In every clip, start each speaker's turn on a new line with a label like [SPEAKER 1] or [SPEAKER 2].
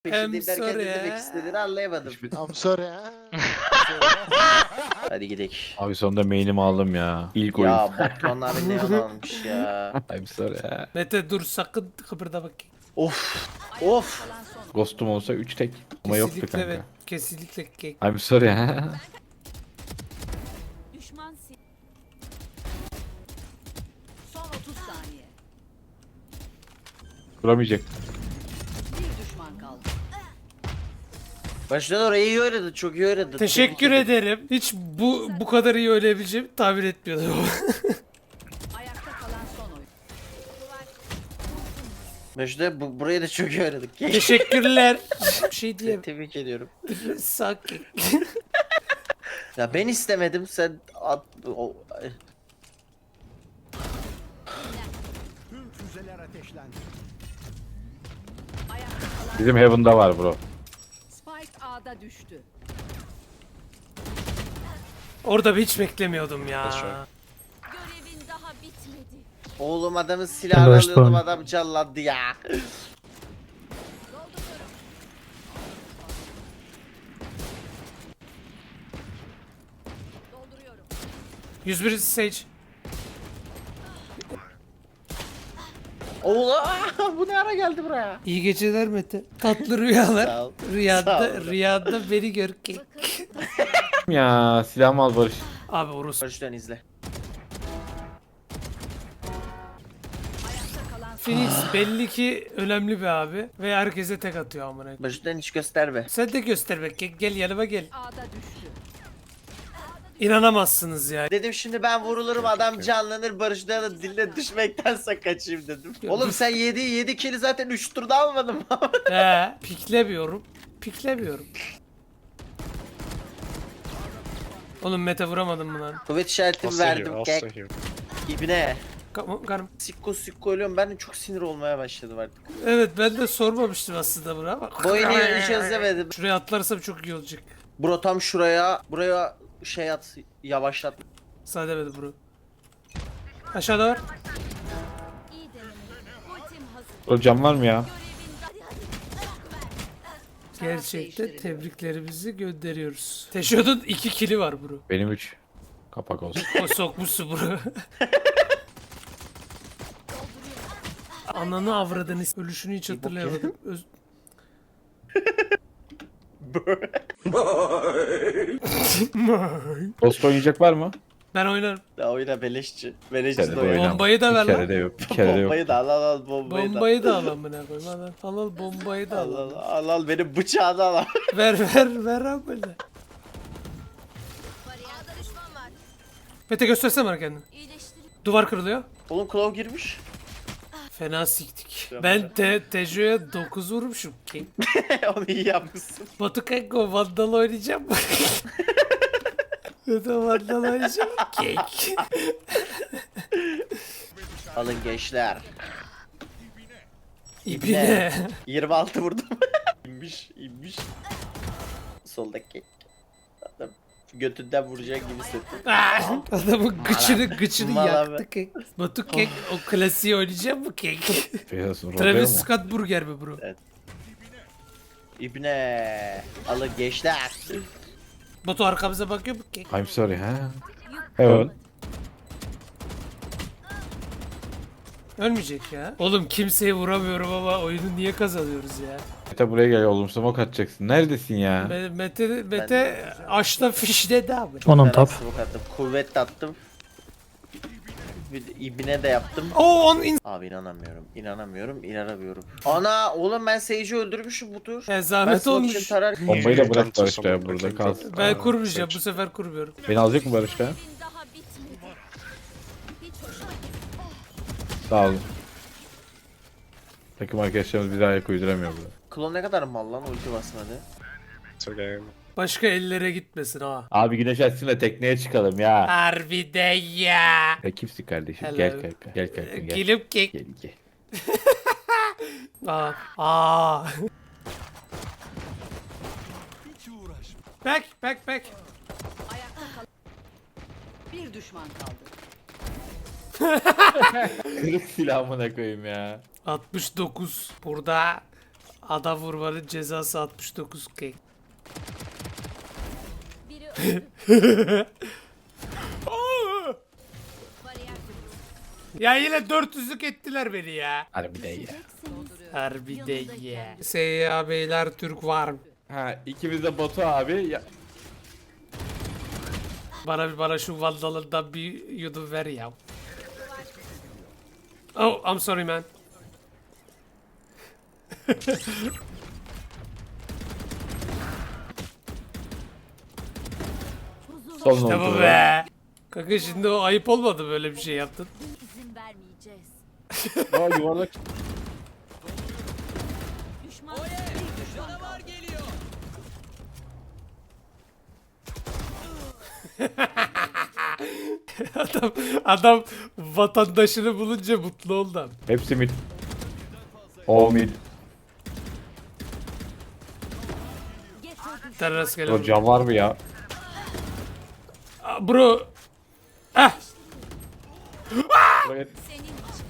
[SPEAKER 1] Peşindeyim derken
[SPEAKER 2] sorry
[SPEAKER 1] ne demek
[SPEAKER 2] ya.
[SPEAKER 1] istediğini anlayamadım.
[SPEAKER 3] I'm sorry ha.
[SPEAKER 1] Hadi gidelim.
[SPEAKER 4] Abi sonunda main'imi aldım ya. İlk oyun.
[SPEAKER 1] Ya Batuhan abi ne an almış ya.
[SPEAKER 4] I'm sorry ha.
[SPEAKER 2] Mete dur sakın kıpırda bak.
[SPEAKER 1] Of. Of.
[SPEAKER 4] Ghost'um olsa 3 tek. Ama yoktu
[SPEAKER 2] Kesinlikle
[SPEAKER 4] kanka.
[SPEAKER 2] ve kesinlikle kek.
[SPEAKER 4] I'm sorry ha.
[SPEAKER 5] Düşman Son 30 saniye.
[SPEAKER 4] Kuramayacak.
[SPEAKER 5] Bir düşman kaldı.
[SPEAKER 1] Baştan orayı iyi oynadı. Çok iyi oynadı.
[SPEAKER 2] Teşekkür
[SPEAKER 1] Tebrik ederim.
[SPEAKER 2] ederim. Hiç bu kadar iyi oynayabileceğimi tahmin etmiyordum.
[SPEAKER 5] Ayakta kalan son oyun.
[SPEAKER 1] Başta burayı da çok iyi oynadık.
[SPEAKER 2] Teşekkürler. Bir şey diyeyim.
[SPEAKER 1] Tebrik ediyorum.
[SPEAKER 2] Sakin.
[SPEAKER 1] Ya ben istemedim sen at...
[SPEAKER 3] Tüm füzeler ateşlendi.
[SPEAKER 5] Ayakta kalan
[SPEAKER 4] Bizim Heaven'da var bro.
[SPEAKER 5] Spike A'da düştü.
[SPEAKER 2] Orada hiç beklemiyordum ya.
[SPEAKER 5] Görevin daha bitmedi.
[SPEAKER 1] Oğlum adamın silahını alıyordum adam canlandı ya.
[SPEAKER 5] Dolduruyorum.
[SPEAKER 2] 101 Sage.
[SPEAKER 1] Oğlum bu ne ara geldi buraya?
[SPEAKER 2] İyi geceler Mete. Tatlı rüyalar.
[SPEAKER 1] Sağ ol. Sağ
[SPEAKER 2] Rüyada,
[SPEAKER 1] ol.
[SPEAKER 2] rüyada beni gör ki.
[SPEAKER 4] Ya silahımı al Barış.
[SPEAKER 2] Abi orası.
[SPEAKER 1] Baştan izle.
[SPEAKER 5] Ayakta kalan
[SPEAKER 2] Phoenix belli ki önemli bir abi. Ve herkese tek atıyor amına.
[SPEAKER 1] Baştan hiç gösterme.
[SPEAKER 2] Sen de göster be. Gel yanıma gel.
[SPEAKER 5] A'da düştü.
[SPEAKER 2] İnanamazsınız ya.
[SPEAKER 1] Dedim şimdi ben vurulurum adam canlanır Barış'ta da diline düşmektense kaçayım dedim. Oğlum sen 7 kili zaten 3 turda almadın mı?
[SPEAKER 2] Piklemiyorum. Piklemiyorum. Oğlum Mete vuramadım mı lan?
[SPEAKER 1] Kuvvet işaretimi verdim kek. İbne.
[SPEAKER 2] Karım.
[SPEAKER 1] Sikko ölüyorum ben de çok sinir olmaya başladım artık.
[SPEAKER 2] Evet ben de sormamıştım aslında bunu ama.
[SPEAKER 1] Bu oyunu hiç özlemedim.
[SPEAKER 2] Şuraya atlarsam çok iyi olacak.
[SPEAKER 1] Bro tam buraya şey at yavaşlat.
[SPEAKER 2] Sağ demedi bro. Aşağıda var.
[SPEAKER 5] İyi deneme. Ultim hazır.
[SPEAKER 4] O cam var mı ya?
[SPEAKER 5] Görevin hadi.
[SPEAKER 2] Gerçekten tebriklerimizi gönderiyoruz. Teşod'un 2 kili var bro.
[SPEAKER 4] Benim 3. Kapak olsun.
[SPEAKER 2] O sokmuşsun bro. Ananı avradını ölüşünü hiç hatırlayamadım.
[SPEAKER 4] Ghost oynayacak var mı?
[SPEAKER 2] Ben oynarım.
[SPEAKER 1] Daha oyna beleşçi. Beleşçi
[SPEAKER 4] Kere
[SPEAKER 1] de
[SPEAKER 4] de
[SPEAKER 1] oyna.
[SPEAKER 4] oynamam.
[SPEAKER 2] Bombayı da ver
[SPEAKER 4] Bir
[SPEAKER 2] lan.
[SPEAKER 4] kere de yok. Bir kere de yok.
[SPEAKER 1] Bombayı da al bombayı da.
[SPEAKER 2] Bombayı da al amına koyayım. Al bombayı da
[SPEAKER 1] Al
[SPEAKER 2] al.
[SPEAKER 1] al benim bıçağını al.
[SPEAKER 2] Ver amına.
[SPEAKER 5] A'da düşman var.
[SPEAKER 2] Mete göstersene bana kendini.
[SPEAKER 5] İyileştirin.
[SPEAKER 2] Duvar kırılıyor.
[SPEAKER 1] Oğlum Claw girmiş.
[SPEAKER 2] Fena siktik. Ben Tejo'ya 9 vurmuşum ki.
[SPEAKER 1] Onu iyi yapmışsın.
[SPEAKER 2] Batu Kanko Vandal oynayacağım mı? Mete Vandal oynayacağım mı? Kek.
[SPEAKER 1] Alın gençler.
[SPEAKER 2] İbine.
[SPEAKER 1] 26 vurdum. İnmiş. Soldaki. Adam götünden vuracak gibi hissettim.
[SPEAKER 2] Adamın gıçını
[SPEAKER 1] Mala
[SPEAKER 2] yaktı kek. Batu Kek o klasiği oynayacağım mı kek?
[SPEAKER 4] Biraz rolluyor
[SPEAKER 2] Travis
[SPEAKER 4] mu?
[SPEAKER 2] Scott burger mi bro?
[SPEAKER 1] İbne. Alın gençler.
[SPEAKER 2] Batu arkamıza bakıyor mu kek?
[SPEAKER 4] I'm sorry ha. Heaven.
[SPEAKER 2] Ölmeyecek ya. Oğlum kimseyi vuramıyorum ama oyunu niye kazanıyoruz ya?
[SPEAKER 4] Mete buraya gel oğlum smoke atacaksın. Neredesin ya?
[SPEAKER 2] Mete aşla fiş dedi abi.
[SPEAKER 1] Onun top. Kuvvet de attım. Bir de İbne de yaptım.
[SPEAKER 2] Oo on
[SPEAKER 1] Abi inanamıyorum. Ana oğlum ben Sage'i öldürmüşüm bu tur. Ben
[SPEAKER 2] zahmet
[SPEAKER 1] smoke
[SPEAKER 2] olmuş.
[SPEAKER 1] için tarar.
[SPEAKER 4] Bombayı da bırak Barış ya burada kalsın.
[SPEAKER 2] Ben kurmayacağım bu sefer kurmuyorum.
[SPEAKER 4] Beni alacak mı Barış ya?
[SPEAKER 5] Görevin daha bitmedi. Hiç hoşuma gitmedi.
[SPEAKER 4] Sağ olun. Takım arkadaşlarımız bize ayak uyduramıyor burada.
[SPEAKER 1] Klon ne kadar mal lan ulti basmadı.
[SPEAKER 2] Başka ellere gitmesin ha.
[SPEAKER 4] Abi güneş açsın da tekneye çıkalım ya.
[SPEAKER 2] Harbiden ya.
[SPEAKER 4] Ya kimsin kardeşim?
[SPEAKER 2] Hello.
[SPEAKER 4] Gel kanka. Gel kanka gel.
[SPEAKER 2] Gelip kek.
[SPEAKER 4] Gel.
[SPEAKER 2] Aa.
[SPEAKER 3] Hiç uğraşma.
[SPEAKER 2] Back.
[SPEAKER 5] Ayakta kalan. Bir düşman kaldı.
[SPEAKER 4] Kırık silahımına koyayım ya.
[SPEAKER 2] 69 burada Adam vurmanın cezası 69K.
[SPEAKER 5] Biri öldü. Bariyer kuruldu.
[SPEAKER 2] Ya yine 400'lük ettiler beni ya.
[SPEAKER 4] Hadi bir de ya.
[SPEAKER 2] Harbi de ya. Seyya beyler Türk var mı?
[SPEAKER 4] Ha ikimiz de Batu abi. Ya,
[SPEAKER 2] Bana şu vandalından bir yudum ver ya. Oh, I'm sorry man.
[SPEAKER 4] son
[SPEAKER 2] İşte
[SPEAKER 4] oldu.
[SPEAKER 2] bu be. Kanka şimdi o ayıp olmadı böyle bir şey yaptın.
[SPEAKER 5] İzin vermeyeceğiz.
[SPEAKER 4] Aa yuvarlak.
[SPEAKER 5] Düşman bir düşman kaldı.
[SPEAKER 2] Adam vatandaşını bulunca mutlu oldu abi.
[SPEAKER 4] Hepsi mid. O mid.
[SPEAKER 2] Sen rastgele
[SPEAKER 4] O
[SPEAKER 2] vur.
[SPEAKER 4] cam var mı ya?
[SPEAKER 2] Aa, bro. Ah.
[SPEAKER 4] Buraya-
[SPEAKER 5] Senin için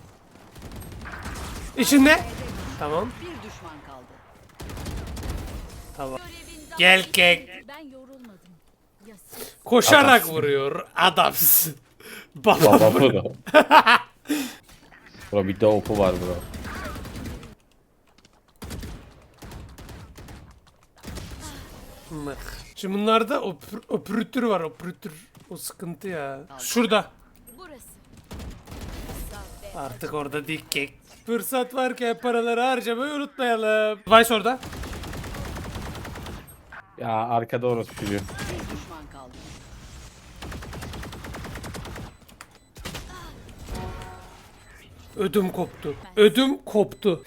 [SPEAKER 2] İçinde. Tamam.
[SPEAKER 5] bir düşman kaldı.
[SPEAKER 2] Tamam.
[SPEAKER 5] Görevin daha
[SPEAKER 2] Gel
[SPEAKER 5] bitmedi.
[SPEAKER 2] kek.
[SPEAKER 5] Ben yorulmadım. Ya siz?
[SPEAKER 2] Koşarak
[SPEAKER 4] Adamsın.
[SPEAKER 2] vuruyor. Adamsın. Baba.
[SPEAKER 4] Baba bro. Bro bir de opu var bro.
[SPEAKER 2] Şimdi bunlarda operatör var, operatör. O sıkıntı ya. Şurada.
[SPEAKER 5] Burası. Kısa ve
[SPEAKER 2] Artık orada dik kek. Fırsat varken paraları harcamayı unutmayalım. Vice orada.
[SPEAKER 4] Ya arkada orası çocuğu.
[SPEAKER 5] bir düşman kaldı.
[SPEAKER 2] Ödüm koptu. Ödüm koptu.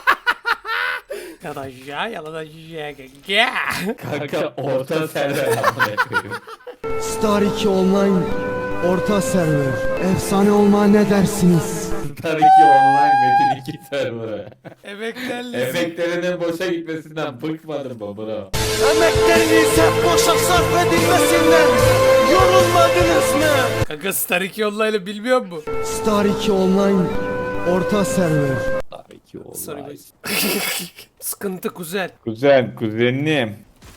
[SPEAKER 2] Yalan ya, yalan ya.
[SPEAKER 4] Kanka orta server amına koyayım.
[SPEAKER 3] Star 2 Online orta server. Efsane olma ne dersiniz?
[SPEAKER 4] Star 2 online Metin 2 serverı.
[SPEAKER 2] Emeklerli.
[SPEAKER 4] Efektlerinin boşa gitmesinden bıkmadım mı bro?
[SPEAKER 1] Emekleriniz hep boşa sarf edilmesinden yorulmadınız mı?
[SPEAKER 2] Kanka Star 2 Online'ı bilmiyor mu?
[SPEAKER 3] Star 2 Online orta server.
[SPEAKER 4] Star 2
[SPEAKER 2] Sorry
[SPEAKER 4] online.
[SPEAKER 2] guys. Sıkıntı kuzen.
[SPEAKER 4] Kuzen, kuzenim.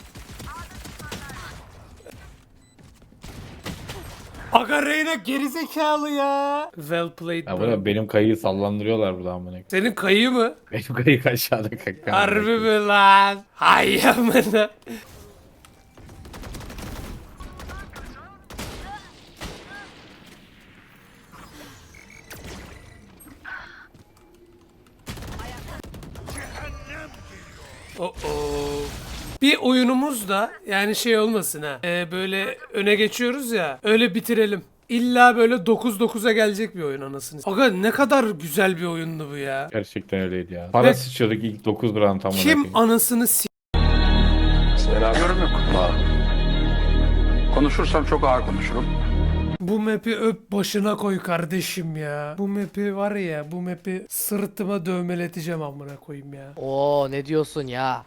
[SPEAKER 2] Aga Reyna gerizekalı ya. Well played
[SPEAKER 4] Ya
[SPEAKER 2] bro.
[SPEAKER 4] bro benim kayıyı sallandırıyorlar burada amına koyayım.
[SPEAKER 2] Senin kayı mı?
[SPEAKER 4] Benim kayık aşağıda kanka.
[SPEAKER 2] Harbi mi lan? Hay amına. Oh oh. Bir oyunumuz da yani şey olmasın ha. Böyle öne geçiyoruz ya. Öyle bitirelim. İlla böyle 9-9'a gelecek bir oyun anasını. Aga ne kadar güzel bir oyundu bu ya.
[SPEAKER 4] Gerçekten öyleydi ya. Para sıçıyorduk ilk 9 round amına koyayım.
[SPEAKER 2] Kim anasını s***.
[SPEAKER 6] Yorum yok. Konuşursam çok ağır konuşurum.
[SPEAKER 2] Bu map'i öp başına koy kardeşim ya. Bu map'i var ya, bu map'i sırtıma dövmeleteceğim amına koyayım ya.
[SPEAKER 7] Oo ne diyorsun ya?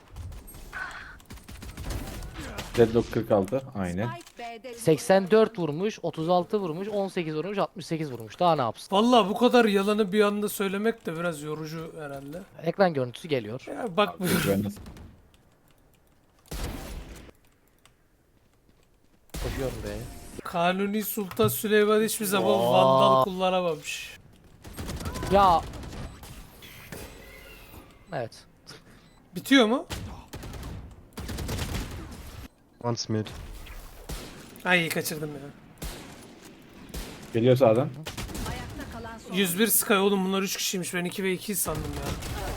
[SPEAKER 4] Deadlock 46 aynen.
[SPEAKER 5] Spike B'de
[SPEAKER 7] 84 vurmuş, 36 vurmuş, 18 vurmuş, 68 vurmuş. Daha ne yapsın?
[SPEAKER 2] Vallahi bu kadar yalanı bir anda söylemek de biraz yorucu herhalde.
[SPEAKER 7] Ekran görüntüsü geliyor.
[SPEAKER 2] Ya bak bu
[SPEAKER 4] Ben nasıl-
[SPEAKER 7] Koşuyorum be.
[SPEAKER 2] Kanuni Sultan Süleyman hiçbir zaman
[SPEAKER 7] Aa.
[SPEAKER 2] vandal kullanamamış.
[SPEAKER 7] Ya. Evet.
[SPEAKER 2] Bitiyor mu?
[SPEAKER 3] Once mid.
[SPEAKER 2] Ay kaçırdım ya.
[SPEAKER 4] Geliyor sağdan.
[SPEAKER 5] ayakta kalan son.
[SPEAKER 2] 101 Sky oğlum bunlar 3 kişiymiş. Ben 2 ve 2 sandım ya.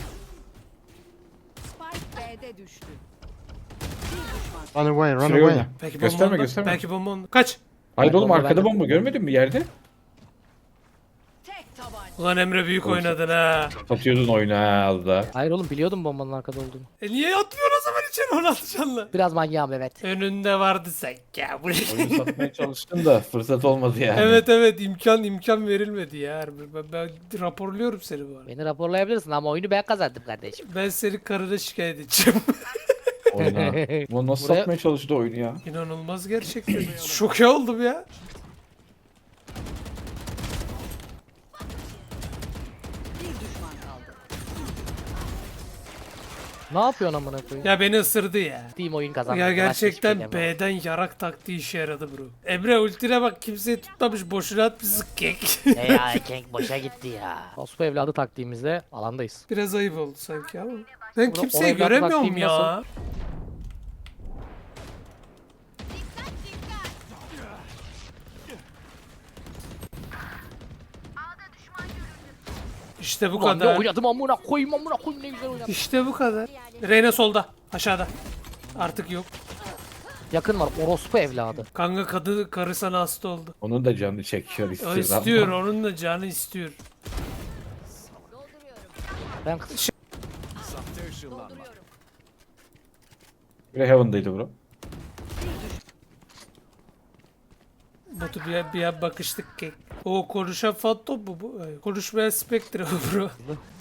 [SPEAKER 5] Spike B'de düştü. Bir düşman
[SPEAKER 3] Run away, run
[SPEAKER 4] Şuraya
[SPEAKER 3] away.
[SPEAKER 4] oyna.
[SPEAKER 2] Belki
[SPEAKER 4] Gösterme
[SPEAKER 2] bomba onda.
[SPEAKER 4] gösterme.
[SPEAKER 2] Belki bomba onda. Kaç.
[SPEAKER 4] Hayır oğlum
[SPEAKER 7] Bomba
[SPEAKER 4] arkada
[SPEAKER 7] bende.
[SPEAKER 4] bomba görmedin mi yerde?
[SPEAKER 5] tek tabanca.
[SPEAKER 2] Ulan Emre büyük oynadın ha.
[SPEAKER 4] Satıyordun oyunu ha az da.
[SPEAKER 7] Hayır oğlum biliyordum bombanın arkada olduğunu.
[SPEAKER 2] Niye atmıyorsun o zaman içeri 16 canlı?
[SPEAKER 7] Biraz manyağım evet.
[SPEAKER 2] Önünde vardı sanki ya.
[SPEAKER 4] Oyunu satmaya çalıştım da fırsat olmadı yani.
[SPEAKER 2] Evet imkan verilmedi ya. Harbi. Ben raporluyorum seni bu arada.
[SPEAKER 7] Beni raporlayabilirsin ama oyunu ben kazandım kardeşim.
[SPEAKER 2] Ben seni karına şikayet edeceğim.
[SPEAKER 4] Oyuna. Bu nasıl
[SPEAKER 7] Buraya-
[SPEAKER 4] satmaya çalıştı oyunu ya?
[SPEAKER 2] İnanılmaz gerçekten. Şoke oldum ya.
[SPEAKER 5] Bir düşman kaldı.
[SPEAKER 7] Ne yapıyorsun amına koyayım?
[SPEAKER 2] Ya beni ısırdı ya.
[SPEAKER 7] Team oyun kazandı.
[SPEAKER 2] Ya
[SPEAKER 7] Başka
[SPEAKER 2] gerçekten
[SPEAKER 7] hiçbir şey demiyorum.
[SPEAKER 2] B'den yarak taktiği işe yaradı bro. Emre ultine bak kimseyi tutmamış boşuna atmışsın kek.
[SPEAKER 7] Ya Kenk boşa gitti ya. Ospo evladı taktiğimizde alandayız.
[SPEAKER 2] Biraz ayıp oldu sanki ama. Ben
[SPEAKER 7] Bro,
[SPEAKER 2] kimseyi
[SPEAKER 7] o evlat
[SPEAKER 2] göremiyorum
[SPEAKER 7] taktiğim
[SPEAKER 2] ya.
[SPEAKER 7] nasıl?
[SPEAKER 2] İşte bu
[SPEAKER 7] Ulan ne
[SPEAKER 2] kadar.
[SPEAKER 7] oynadım amına koyayım ne güzel oynadım.
[SPEAKER 2] İşte bu kadar. Reyna solda. Aşağıda. Artık yok.
[SPEAKER 7] Yakın var orospu evladı.
[SPEAKER 2] Kanka karı sana hasta oldu.
[SPEAKER 4] Onun da canı çekiyor
[SPEAKER 2] O
[SPEAKER 4] istiyor.
[SPEAKER 2] istiyor. Onun da canı istiyor.
[SPEAKER 7] Ben
[SPEAKER 4] Biri Heaven'daydı bro.
[SPEAKER 2] Batu bir bakıştık kek. O konuşan Phantom mu bu? Ay, konuşmayan Spectre bu bro.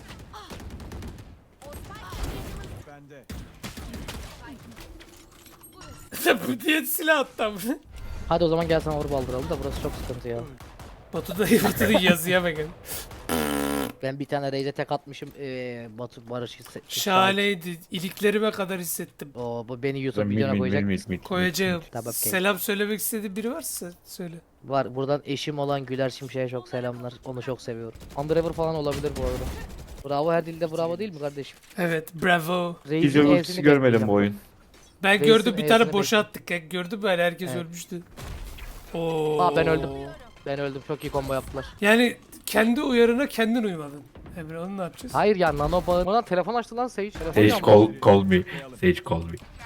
[SPEAKER 2] Bu diye silah attı ama.
[SPEAKER 7] hadi o zaman gel sana vur baldıralım da burası çok sıkıntı ya.
[SPEAKER 2] Batu'nun yazıya bakın.
[SPEAKER 7] Ben bir tane Raze'e tek atmışım. Batu Barış hissetmiş.
[SPEAKER 2] Şahaneydi. İliklerime kadar hissettim.
[SPEAKER 7] O bu beni YouTube videona koyacak.
[SPEAKER 2] Koyacağım.
[SPEAKER 7] Tamam, kek.
[SPEAKER 2] Selam söylemek istediğin biri varsa söyle.
[SPEAKER 7] Var buradan eşim olan Güler Şimşek'e çok selamlar. Onu çok seviyorum. Underever falan olabilir bu arada. Bravo her dilde bravo değil mi kardeşim?
[SPEAKER 2] Evet, bravo.
[SPEAKER 7] Reis'in
[SPEAKER 4] Hiç ultisi
[SPEAKER 7] evsini
[SPEAKER 4] görmedim
[SPEAKER 7] bekleyeceğim.
[SPEAKER 4] bu oyun.
[SPEAKER 2] Ben
[SPEAKER 7] Reis'in
[SPEAKER 2] gördüm bir tane
[SPEAKER 7] evsini
[SPEAKER 2] boşa attık. Ya. Gördün mü? Yani herkes
[SPEAKER 7] Evet.
[SPEAKER 2] ölmüştü. Oo.
[SPEAKER 7] Aa ben öldüm. Ben öldüm. Çok iyi combo yaptılar.
[SPEAKER 2] Yani kendi uyarına kendin uymadın. Emre onu ne yapacağız?
[SPEAKER 7] Hayır ya nano bağı. Ulan telefon açtı lan Sage. Telefon
[SPEAKER 4] Sage
[SPEAKER 7] yandı.
[SPEAKER 4] call me. Sage call me.